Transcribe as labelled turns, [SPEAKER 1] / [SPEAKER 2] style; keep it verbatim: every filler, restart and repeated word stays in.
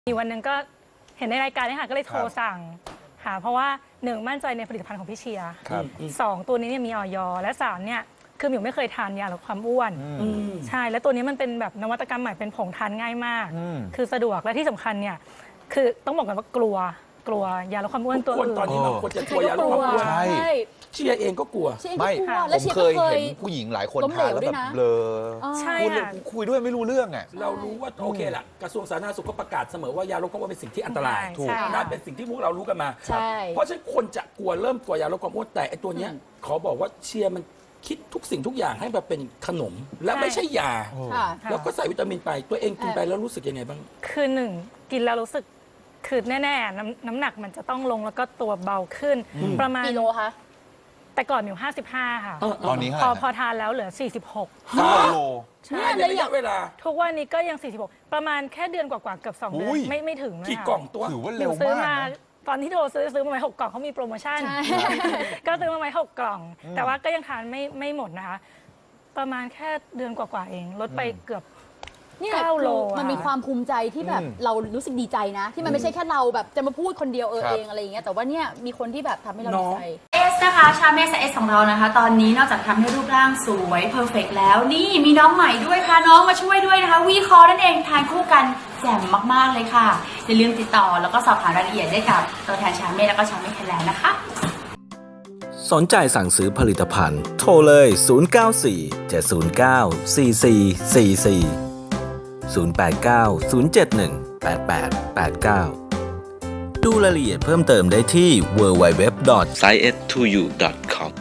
[SPEAKER 1] มีวันหนึ่งก็เห็นในรายการนี้ค่ะก็เลยโทรสั่งค่ะเพราะว่าหนึ่งมั่นใจในผลิตภัณฑ์ของพี่เชียร์สองตัวนี้เนี่ยมีออยและสามเนี่ยคือหมิวไม่เคยทานยาลดความอ้วนใช่แล้วตัวนี้มันเป็นแบบนวัตกรรมใหม่เป็นผงทานง่ายมากคือสะดวกและที่สำคัญเนี่ยคือต้องบอกกันว่ากลัวกลัวยาลดความอ้วนตัวอื่น
[SPEAKER 2] ตอนนี้บางคนจะกลัวยาลดความอ้วนเชียร์เองก็กลัว
[SPEAKER 3] ไม่ผมเคยเห็นผู้หญิงหลายคนทานแล้วแบบเบลอ
[SPEAKER 1] ใช่ค่ะ
[SPEAKER 3] คุยด้วยไม่รู้เรื่องอ่ะ
[SPEAKER 2] เรารู้ว่าโอเคละกระทรวงสาธารณสุขก็ประกาศเสมอว่ายาลดความอ้วนเป็นสิ่งที่อันตรายถูกนั่นเป็นสิ่งที่พวกเรารู้กันมาเพราะฉะนั้นคนจะกลัวเริ่มกลัวยาลดความอ้วนแต่ไอตัวเนี้ยขอบอกว่าเชียร์มันคิดทุกสิ่งทุกอย่างให้มาเป็นขนมและไม่ใช่ยาแล้วก็ใส่วิตามินไปตัวเองกินไปแล้วรู้สึกยังไงบ้าง
[SPEAKER 1] คือหนึ่งกินแล้วรู้สึกคือแน่ๆน้ำน้ำหนักมันจะต้องลงแล้วก็ตัวเบาขึ้นประมาณ
[SPEAKER 4] กิโลคะ
[SPEAKER 1] แต่ก่อนหมิวห้าสิบห้าค่ะ
[SPEAKER 3] ตอนนี้
[SPEAKER 1] พอพอทานแล้วเหลือสี่สิบหก
[SPEAKER 3] กิโล
[SPEAKER 1] ใช่
[SPEAKER 2] ในระยะเวลา
[SPEAKER 1] ทุกวันนี้ก็ยังสี่สิบหกประมาณแค่เดือนกว่าๆเกือบสองเดือนไม่ไม่ถึง
[SPEAKER 2] กี่กล่องตัว
[SPEAKER 3] ถือว่าเร็วมาก
[SPEAKER 1] ตอนที่โทรซื้อซื้อมาไว้หกกล่องเขามีโปรโมชั่นก็ซื้อมาไว้หกกล่อง แต่ว่าก็ยังทานไม่ไม่หมดนะคะประมาณแค่เดือนกว่าๆเองลดไปเกือบ
[SPEAKER 4] นี่เก้าโลมันมีความภูมิใจที่แบบเรารู้สึกดีใจนะที่มันไม่ใช่แค่เราแบบจะมาพูดคนเดียวเออเองอะไรอย่างเงี้ยแต่ว่าเนี่ยมีคนที่แบบทำให้เราดีใจ
[SPEAKER 5] เอสนะคะชาเมสเอสของเรานะคะตอนนี้นอกจากทำให้รูปร่างสวยเพอร์เฟกต์แล้วนี่มีน้องใหม่ด้วยค่ะน้องมาช่วยด้วยนะคะวีคอนั่นเองทานคู่กันแจ่มมากๆเลยค่ะอย่าลืมติดต่อแล้วก็สอบถามรายละเอียดได้กับตัวแทนชาเมสแล้วก็ชาเมสไทยแลนด์นะคะ
[SPEAKER 6] สนใจสั่งซื้อผลิตภัณฑ์โทรเลยศูนย์ เก้า สี่ เจ็ด ศูนย์ เก้า สี่ สี่ สี่ สี่ ศูนย์ แปด เก้า ศูนย์ เจ็ด หนึ่ง แปด แปด แปด เก้า ดูรายละเอียดเพิ่มเติมได้ที่ ดับเบิลยู ดับเบิลยู ดับเบิลยู ดอท ไซเอส ทู ยู ดอท คอม